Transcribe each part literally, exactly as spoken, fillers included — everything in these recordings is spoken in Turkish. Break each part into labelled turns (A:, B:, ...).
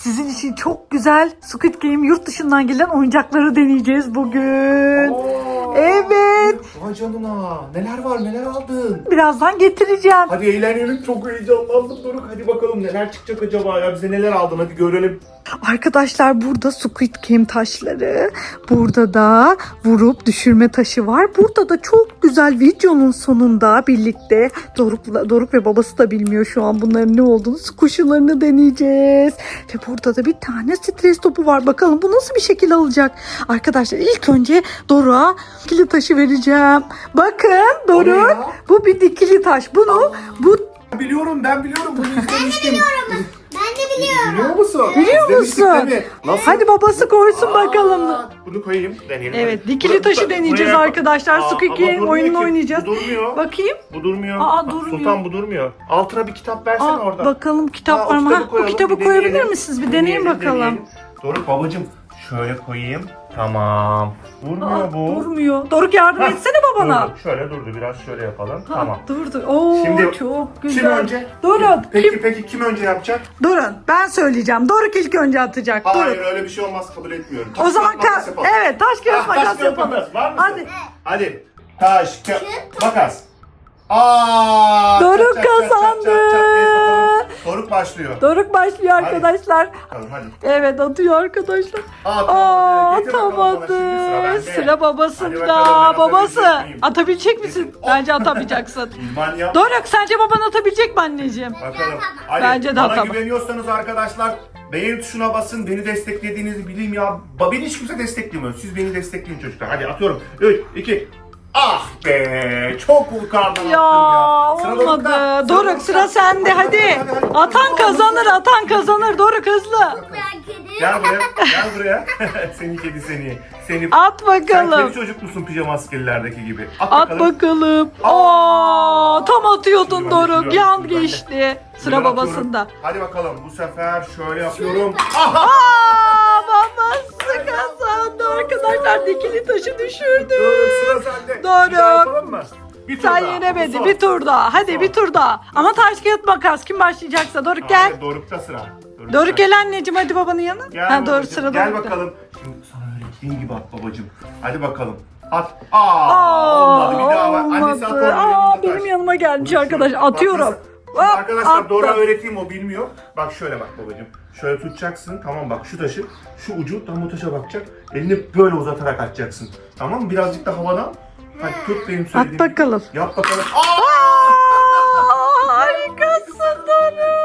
A: Sizin için çok güzel Squid Game yurt dışından gelen oyuncakları deneyeceğiz bugün.
B: Aa,
A: Evet.
B: Vay canına. Neler var, neler aldın?
A: Birazdan getireceğim.
B: Hadi eğlenelim, çok heyecanlandım Doruk. Hadi bakalım neler çıkacak acaba ya, bize neler aldın, hadi görelim.
A: Arkadaşlar burada Squid Game taşları, burada da vurup düşürme taşı var. Burada da çok güzel videonun sonunda birlikte Doruk, Doruk ve babası da bilmiyor şu an bunların ne olduğunu, kuşularını deneyeceğiz. Ve burada da bir tane stres topu var. Bakalım bu nasıl bir şekil alacak. Arkadaşlar ilk önce Doruk'a dikili taşı vereceğim. Bakın Doruk, bu bir dikili taş. Bunu bu
B: Biliyorum, ben biliyorum, bunu izlemiştim.
C: Ben de biliyorum.
B: Biliyor musun?
A: Biliyor
B: İzlemiştik
A: musun?
B: değil mi? Nasıl?
A: Hadi babası koysun
B: Aa,
A: bakalım.
B: Bunu koyayım, deneyelim.
A: Evet,
B: Hadi.
A: dikili
B: Buraya-
A: taşı
B: buraya-
A: deneyeceğiz
B: buraya-
A: arkadaşlar.
B: Aa,
A: Squid
B: ama
A: Game
B: durmuyor
A: oyununu
B: ki.
A: oynayacağız.
B: Bu durmuyor.
A: Bakayım.
B: Bu durmuyor.
A: Aa,
B: Bak,
A: durmuyor.
B: Sultan bu durmuyor. Altına bir kitap versene
A: Aa,
B: orada.
A: bakalım kitap
B: Aa, o
A: var mı?
B: kitabı
A: Ha, bu
B: koyalım,
A: kitabı
B: bir
A: koyabilir
B: deneyelim.
A: misiniz? Bir deneyin bakalım.
B: deneyelim. Doruk babacığım şöyle koyayım. Tamam. Durmuyor
A: Aa,
B: bu.
A: durmuyor. Doruk yardım
B: Hah,
A: etsene babana.
B: Durdu. Şöyle durdu. Biraz şöyle yapalım.
A: Ha,
B: Tamam.
A: durdu. Oo,
B: Şimdi
A: çok güzel.
B: Kim önce?
A: Durun.
B: Peki
A: Kim?
B: peki kim önce yapacak?
A: Durun. Ben söyleyeceğim. Doruk ilk önce atacak.
B: Hayır
A: Durun.
B: öyle bir şey olmaz, kabul etmiyorum.
A: O
B: Taş,
A: zaman
B: kağıt, makas
A: ka-
B: yapalım.
A: evet taş kağıt
B: Ah, taş,
A: makas
B: kağıt,
A: yapalım.
B: makas. Var mısın?
A: Hadi.
B: Hadi. Taş, kağıt, makas. Aa!
A: Doruk
B: çat, çat, çat, çat,
A: kazandı.
B: çat, çat. Evet, bakalım. Doruk başlıyor.
A: Doruk başlıyor arkadaşlar.
B: Bakalım hadi.
A: Evet atıyor arkadaşlar.
B: Aa,
A: Aa,
B: Getir bakalım bana, şimdi
A: atamadı.
B: sıra bende.
A: Sıra
B: Hadi
A: babasında.
B: bakalım, ben
A: Babası.
B: atabilecek miyim?
A: Atabilecek misin?
B: Getir.
A: Bence atamayacaksın.
B: İlman yap.
A: Doruk sence baban atabilecek mi anneciğim?
B: Bakalım. Hadi,
A: Bence de
B: bana
A: atamam.
B: güveniyorsanız arkadaşlar beğen tuşuna basın. Beni desteklediğinizi bileyim ya. Ba- Beni hiç kimse desteklemiyor. Siz beni destekleyin çocuklar. Hadi atıyorum. üç, iki. Ah be! Çok yukarıdan attım
A: Ya
B: ya. Sıra Doruk'ta.
A: olmadı.
B: Sıra
A: Doruk
B: Doruk'ta.
A: sıra sende hadi.
B: hadi, hadi.
A: Atan
B: Hadi,
A: kazanır,
B: hadi.
A: atan kazanır. Doruk hızlı.
C: Ben kedi.
B: Gel buraya. Gel buraya. Seni kedi seni. Seni.
A: At
B: Sen kedi
A: bakalım.
B: çocuk musun pijama askerlerdeki gibi? At,
A: At
B: bakalım.
A: bakalım. Aa, tam atıyordun
B: Şimdi ben de,
A: Doruk.
B: şimdi ben,
A: Yan
B: şimdi ben de.
A: geçti.
B: Şimdi
A: Sıra
B: ben
A: babasında.
B: atıyorum. Hadi bakalım bu sefer şöyle yapıyorum. Aha!
A: Aa, babası kazandı arkadaşlar. Dikili taşı düşürdü.
B: Doruk sıra sende.
A: Doruk.
B: Bir daha yapalım mı? Bir tur
A: Sen
B: daha.
A: yenemedin.
B: Son.
A: Bir tur daha. Hadi
B: Son.
A: bir tur daha. Ama taş kağıt makas. Kim başlayacaksa. Doruk gel.
B: Hayır, Doruk'ta sıra. Doruk
A: Doruk
B: sen.
A: gel anneciğim hadi babanın yanına.
B: Gel
A: Ha doğru
B: babacığım,
A: sıra
B: Gel
A: Doruk'ta.
B: bakalım. Şimdi sana öğrettiğim gibi at babacığım. Hadi bakalım. At. Aa,
A: Aa,
B: olmadı. Bir daha bak. Annesi at
A: olmadı.
B: onu.
A: Aa,
B: yanına
A: benim
B: taş.
A: yanıma gelmiş
B: Bunu
A: arkadaş.
B: şöyle- bak
A: Atıyorum.
B: nasıl- Şimdi
A: Hop,
B: arkadaşlar
A: attım.
B: Doruk'a öğreteyim, o bilmiyor. Bak şöyle bak babacığım. Şöyle tutacaksın. Tamam bak şu taşı. Şu ucu tam o taşa bakacak. Elini böyle uzatarak atacaksın. Tamam mı? Birazcık da havadan. Hadi tut benim
A: At
B: söylediğim gibi.
A: bakalım.
B: Yap bakalım. Aa!
A: Aa, harikasın Doruk.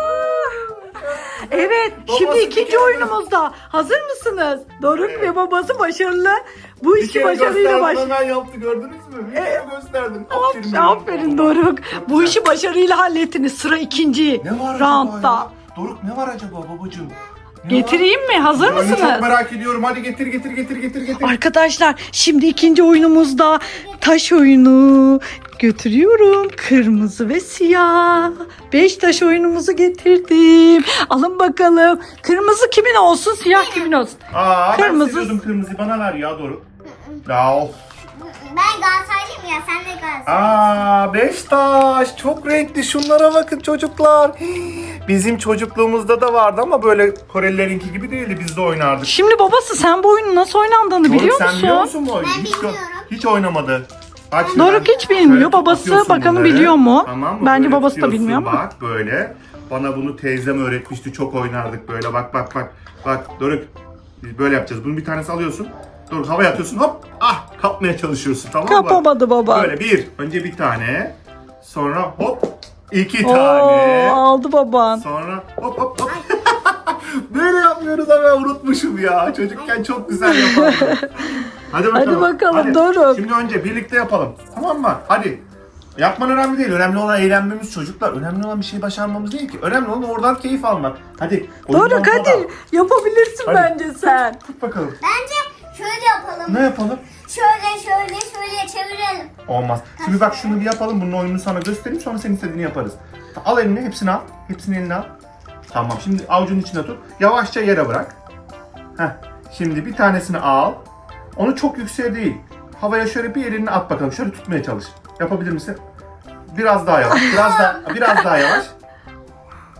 A: Evet,
B: Babası
A: şimdi
B: bir
A: ikinci
B: kere-
A: oyunumuzda. Hazır mısınız? Doruk
B: Evet.
A: ve babası başarılı. Bu
B: Bir
A: işi
B: kere
A: başarıyla
B: gösterdim,
A: baş...
B: hemen yaptı, gördünüz mü? Bir kere gösterdim.
A: Aferin,
B: benim
A: aferin
B: babama.
A: Doruk.
B: Çok
A: Bu
B: güzel.
A: işi başarıyla hallettiniz. Sıra ikinci
B: Ne var acaba
A: roundda.
B: ya? Doruk ne var acaba babacığım? Ne
A: Getireyim mi? Hazır
B: var? Ben çok
A: mısınız?
B: merak ediyorum. Hadi getir getir getir getir getir.
A: Arkadaşlar şimdi ikinci oyunumuzda taş oyunu götürüyorum. Kırmızı ve siyah. Beş taş oyunumuzu getirdim. Alın bakalım. Kırmızı kimin olsun, siyah kimin olsun?
B: Aa,
A: Kırmızı.
B: ben seviyordum kırmızıyı. Bana ver ya Doruk. Ya of.
C: Ben Galatasaraylıyım ya, sen de Galatasaray.
B: Aa, beş taş. Çok renkli. Şunlara bakın çocuklar. Hii, bizim çocukluğumuzda da vardı ama böyle Korelilerinki gibi değildi. Biz de oynardık.
A: Şimdi babası sen bu oyunun nasıl oynandığını
B: Doruk
A: biliyor
B: sen
A: musun?
B: biliyor musun bu oyunu?
C: Ben
B: hiç,
C: bilmiyorum.
B: hiç oynamadı. Bak şimdi
A: Doruk
B: ben-
A: hiç bilmiyor.
B: şöyle
A: Babası
B: atıyorsun
A: bakalım
B: bunları.
A: biliyor mu?
B: Tamam mı?
A: Bence
B: Böyle
A: babası da
B: tutuyorsun,
A: bilmiyor ama.
B: Bak böyle. Bana bunu teyzem öğretmişti. Çok oynardık böyle. Bak bak bak. Bak Doruk. Biz böyle yapacağız. Bunu bir tanesi alıyorsun. Doruk havaya atıyorsun. Hop. Ah kapmaya çalışıyorsun. Tamam mı?
A: Kapamadı baba.
B: Böyle bir. Önce bir tane. Sonra hop. iki
A: Oo,
B: tane.
A: aldı baban.
B: Sonra hop hop hop. Böyle yapmıyoruz ama unutmuşum ya. Çocukken çok güzel yapardım. Hadi bakalım.
A: Hadi bakalım,
B: Hadi.
A: Doruk.
B: Şimdi önce birlikte yapalım. Tamam mı? Hadi. Yapman önemli değil. Önemli olan eğlenmemiz çocuklar. Önemli olan bir şey başarmamız değil ki. Önemli olan oradan keyif almak. Hadi. oyundan
A: Doruk
B: sonra.
A: hadi yapabilirsin
B: Hadi.
A: bence sen.
B: Tut bakalım.
C: Bence şöyle yapalım.
B: Ne yapalım?
C: Şöyle şöyle şöyle çevirelim.
B: Olmaz. Şimdi bak şunu bir yapalım. Bunun oyununu sana göstereyim. Sonra senin istediğini yaparız. Al elini. Hepsini al. Hepsini eline al. Tamam. Şimdi avucunun içine tut. Yavaşça yere bırak. Heh. Şimdi bir tanesini al. Onu çok yükseğe değil. Havaya şöyle bir elini at bakalım. Şöyle tutmaya çalış. Yapabilir misin? Biraz daha yavaş. Biraz daha biraz daha yavaş.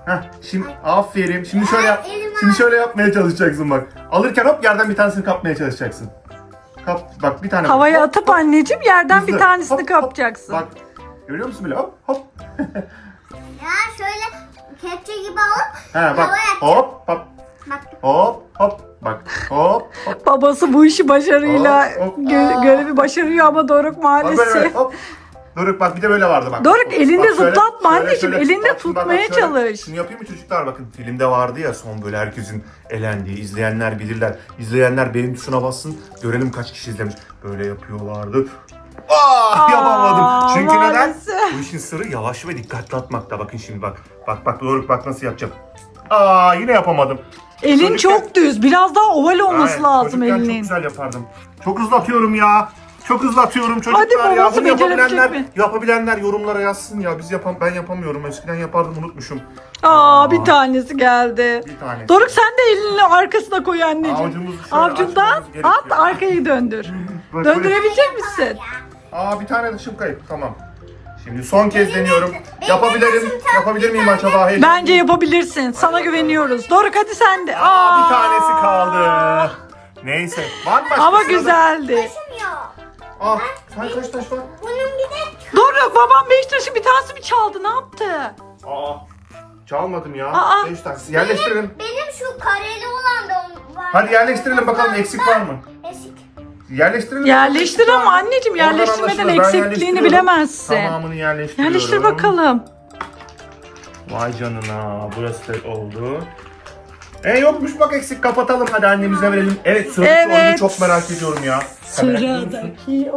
B: Heh, şimdi aferin. Şimdi şöyle yap.
C: Elim
B: Şimdi şöyle yapmaya çalışacaksın bak. Alırken hop yerden bir tanesini kapmaya çalışacaksın. Kap bak bir tane.
A: Havaya
B: Hop,
A: atıp
B: hop.
A: anneciğim yerden bir
B: Hızlı.
A: tanesini
B: Hop, hop.
A: kapacaksın.
B: Bak görüyor musun böyle hop hop.
C: Ya şöyle kepçe gibi alıp
B: Ha bak
C: havaya atacağım.
B: hop hop
C: Bak.
B: hop hop bak hop hop.
A: Babası bu işi başarıyla
B: Hop, hop.
A: gö- görevi başarıyor ama Doruk
B: Bak böyle böyle
A: maalesef.
B: hop. Doruk bak bir de böyle vardı bak.
A: Doruk,
B: Bak,
A: elinde
B: bak şöyle,
A: zıplatma
B: şöyle,
A: anneciğim,
B: şöyle.
A: elinde
B: Bak şimdi bak,
A: tutmaya
B: bak şöyle.
A: çalış.
B: Şunu yapayım mı çocuklar, bakın filmde vardı ya son böyle herkesin elendiği, izleyenler bilirler. İzleyenler beğen tuşuna bassın görelim kaç kişi izlemiş. Böyle yapıyorlardı. Aa,
A: Aa,
B: yapamadım. Çünkü neden?
A: maalesef.
B: Bu işin sırrı yavaş ve dikkatli atmakta. Bakın şimdi bak. Bak bak Doruk bak nasıl yapacağım. Aa yine yapamadım.
A: Elin
B: Çocukken-
A: çok düz. Biraz daha oval olması
B: Aynen,
A: lazım
B: çocukken çok
A: elinin.
B: güzel yapardım. Çok hızlı atıyorum ya. Çok hızlı atıyorum çocuklar
A: Hadi
B: ya.
A: babası
B: Bunu yapabilenler,
A: becerebilecek mi?
B: yapabilenler yorumlara yazsın ya. Biz yapam ben yapamıyorum. Eskiden yapardım unutmuşum.
A: Aa, bir tanesi geldi.
B: Bir tane.
A: Doruk sen de elini arkasına koy anneciğim.
B: Avucumuzu şöyle
A: Avucundan
B: açmamız gerekiyor.
A: at, arkayı döndür.
B: Bak böyle-
A: Döndürebilecek misin?
B: Aa bir tane dışım kayıp. Tamam. Şimdi son kez deniyorum.
C: benim
B: Yapabilirim.
C: başım tam
B: Yapabilir
C: bir
B: miyim
C: tane.
B: acaba? Heyecan-
A: Bence yapabilirsin. Sana güveniyoruz. Doruk hadi sen de.
B: Aa, bir
A: Aa,
B: tanesi kaldı. Neyse. Var mı başka
A: Ama
B: sırada?
A: güzeldi.
C: Taşım yok.
B: Aa, sen kaç taş var?
C: Bunun bir de
A: Doruk babam beş taşı bir tanesi mi çaldı? Ne yaptı?
B: Aa, çalmadım ya.
A: Aa.
B: Beş taş. Yerleştirelim.
C: benim şu kareli olan da var.
B: Hadi yerleştirelim bakalım eksik var mı?
C: Eksik.
B: Yerleştirelim.
A: Yerleştir
B: bakalım,
A: ama
B: eksik var mı?
A: anneciğim,
B: Oradan
A: yerleştirmeden
B: anlaşılır. Ben
A: eksikliğini
B: yerleştiriyorum.
A: bilemezsin.
B: Tamamını yerleştiriyorum.
A: Yerleştir bakalım.
B: Vay canına, burası da oldu. E yokmuş bak eksik, kapatalım hadi annemize verelim. Evet sıradaki
A: Evet.
B: oyunu çok merak ediyorum ya. Sen merak ediyor musun?
A: Sıradaki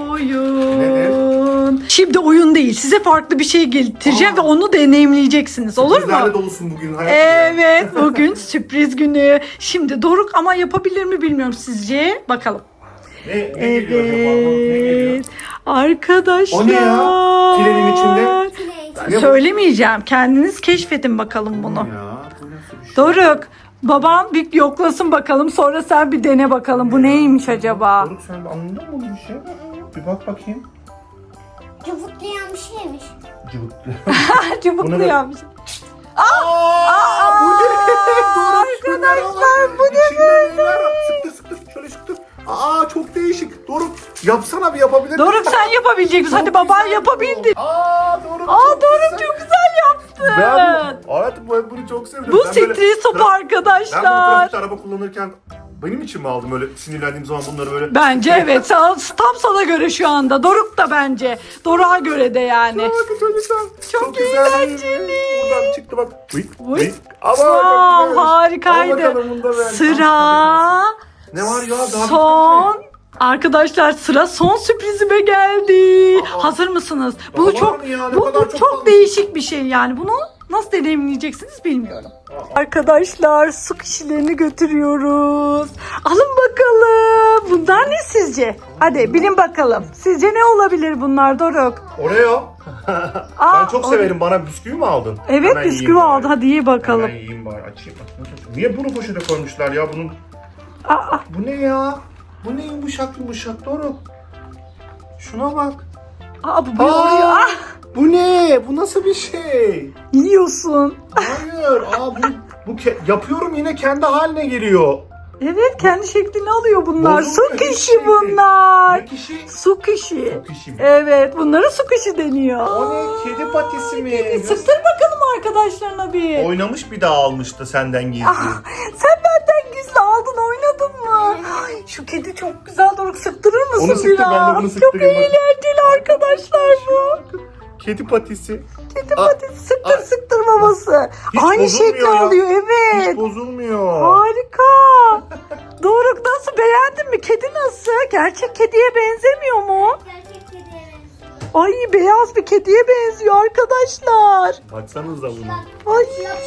A: oyun. Şimdi oyun değil. Size farklı bir şey getireceğim
B: Aa.
A: ve onu deneyimleyeceksiniz. Olur
B: Bizlerle
A: mu?
B: dolusun bugün hayatım.
A: Evet, bugün sürpriz günü. Şimdi Doruk ama yapabilir mi bilmiyorum sizce. Bakalım.
B: Ne, ne geliyor acaba? Ne geliyor?
A: Evet. Arkadaşlar.
B: O ne ya? Trenin içinde.
C: Play.
B: Ne bu?
A: Söylemeyeceğim. Kendiniz keşfedin bakalım bunu.
B: Ya, bu nasıl bir şey?
A: Doruk, babam bir yoklasın bakalım. Sonra sen bir dene bakalım. Bu neymiş acaba?
B: Doruk sen anladın mı bu bir şey? Bir bak bakayım.
C: Cıvıklayan bir şeymiş.
B: Cıvıklı.
A: Çubuklu
B: Bunu da-
A: yapmış.
B: Aa, bu ne? Doruk, şunlara bak.
A: Arkadaşlar, bu ne
B: İçinde neler var? Sıktır sıktır şöyle sıktır. Aa çok değişik. Doruk yapsana bir, yapabilir
A: Doruk
B: misin?
A: sen yapabilecek misin? Hadi
B: Çok
A: baban
B: güzel
A: yapabildi.
B: bu. Aa Doruk
A: Aa
B: çok
A: Doruk
B: güzel.
A: çok güzel yaptı.
B: Ben bu, hayatım ben bunu çok sevdim.
A: Bu
B: Ben böyle
A: stres topu
B: tra- Ben bunu
A: arkadaşlar.
B: trafikte araba kullanırken benim için mi aldım, öyle sinirlendiğim zaman bunları böyle?
A: Bence evet. Sana- Tam sana göre şu anda. Doruk da bence. Doruk'a göre de yani.
B: Bakın çocuklar.
A: Çok
B: güzel.
A: eğlenceli.
B: Buradan çıktı bak. Vık,
A: Vık.
B: vık. Ama
A: Wow,
B: çok güzel. Al
A: harikaydı.
B: bakalım, bunu da ver.
A: Sıra
B: Ne var ya daha
A: son. Arkadaşlar sıra son sürprizime geldi.
B: Aa.
A: Hazır mısınız?
B: Daha
A: Bu
B: var
A: çok
B: mı ya? Ne
A: bu,
B: kadar
A: bu
B: çok
A: çok
B: kalmış.
A: değişik bir şey yani. Bunu nasıl deneyimleyeceksiniz bilmiyorum. Arkadaşlar su kişilerini götürüyoruz. Alın bakalım. Bunlar ne sizce? Hadi bilin bakalım. Sizce ne olabilir bunlar Doruk?
B: Oreo.
A: Aa,
B: Ben çok
A: Oreo.
B: severim. Bana bisküvi mi aldın?
A: Evet
B: Hemen
A: bisküvi
B: yiyeyim bari.
A: aldı. Hadi ye bakalım.
B: Hemen yiyeyim bari. Açayım. Bak, nasıl açayım? Niye bunu poşete koymuşlar ya? Bunun
A: Aa,
B: bu ne ya? Bu ne yumuşak yumuşak Doruk? Şuna bak.
A: aa, bu bir Oreo. Ah,
B: Bu ne? Bu nasıl bir şey?
A: yiyorsun.
B: Hayır. Aa bu bu ke- yapıyorum yine kendi haline geliyor.
A: Evet kendi şeklini alıyor bunlar.
B: Bozulmuyor
A: Su
B: hiçbir
A: kişi
B: şey.
A: bunlar.
B: Ne kişi?
A: Su kişi.
B: Su kişi mi?
A: Evet bunlara su kişi deniyor.
B: O ne? Kedi patisi mi?
A: Kedi. Sıktır bakalım arkadaşlarına bir.
B: Oynamış bir daha almıştı senden gizli.
A: Ah, sen benden gizli aldın oynadın mı? Ay, şu kedi çok güzel Doruk, sıktırır mısın
B: Onu sıktır,
A: biraz?
B: ben de bunu
A: Çok
B: sıktırayım, bakın.
A: eğlenceli arkadaşlar bu.
B: Kedi patisi.
A: Kedi
B: Aa,
A: patisi sıktır
B: aa.
A: sıktır babası.
B: Hiç
A: Aynı
B: bozulmuyor
A: şekli
B: ya.
A: alıyor
B: Hiç
A: evet.
B: bozulmuyor.
A: Harika. Doruk nasıl, beğendin mi? Kedi nasıl? Gerçek kediye benzemiyor mu?
C: Gerçek kediye benziyor.
A: Ay beyaz bir kediye benziyor arkadaşlar.
B: Baksanıza buna.
A: Ay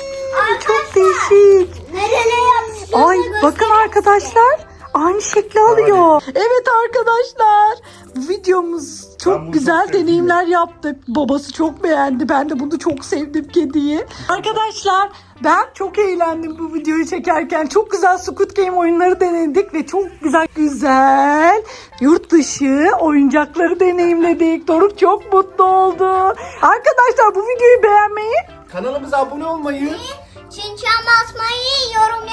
A: çok değişik.
C: Nereye yapmışlar?
A: Ay bakın arkadaşlar aynı şekli alıyor. Evet arkadaşlar bu videomuz
B: Ben
A: çok
B: bunu
A: güzel
B: çok sevdim.
A: deneyimler yaptık. Babası çok beğendi. Ben de bunu çok sevdim kediyi. Arkadaşlar ben çok eğlendim bu videoyu çekerken. Çok güzel Squid Game oyunları denedik ve çok güzel güzel yurt dışı oyuncakları deneyimledik. Doruk çok mutlu oldu. Arkadaşlar bu videoyu beğenmeyi
B: Kanalımıza abone olmayı,
C: Çinçen basmayı, yorum